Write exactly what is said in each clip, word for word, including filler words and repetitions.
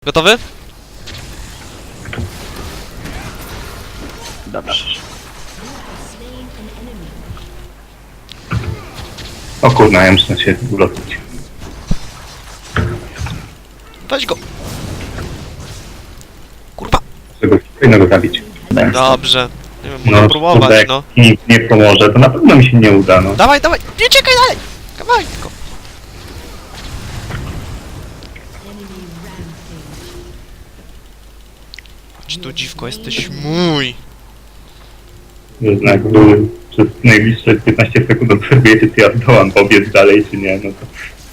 Gotowy? Dobrze. O kurna, ja muszę się ulotić. Weź go! Kurwa! Żeby innego zabić. Dobrze. Nie wiem, No, mogę próbować, kurde, no. jak nikt nie pomoże, to na pewno mi się nie uda, no. Dawaj, dawaj! Nie czekaj dalej! Kawałek tylko. Chodź tu, dziwko, jesteś mój! Jednak były przez najbliższe piętnaście sekund obserwujecie, czy ja zdołam pobiec dalej, czy nie, no to...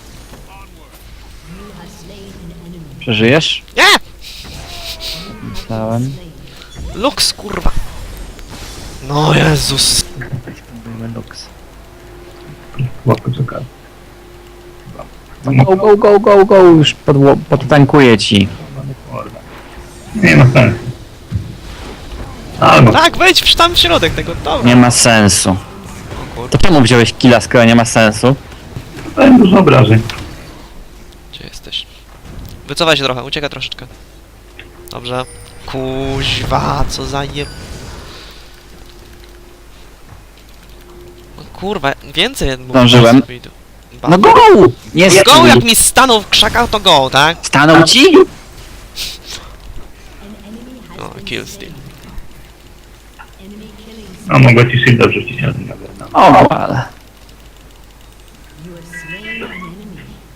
Przeżyjesz? Nie! Myślałem. Lux, kurwa! No Jezus! Spróbujmy Lux. Łatwo czekać. No go, go, go, go, go, już podło- podtankuję ci. Nie ma sensu. Albo... Tak, wejdź w tam w środek tego, dobra. Nie ma sensu. O kurwa, To czemu wziąłeś killa, skoro nie ma sensu? Dostałem dużo obrażeń. gdzie jesteś? Wycofaj się trochę, ucieka troszeczkę. Dobrze. Kuźwa, co za je... O kurwa, więcej mógł Zdążyłem. sobie idę. Ba- No go! Nie Go, stój! jak mi stanął w krzakach, to go, tak? Stanął ci? No, kill steal. No mogę ci shielda wrzucić, ale nie. O, ale...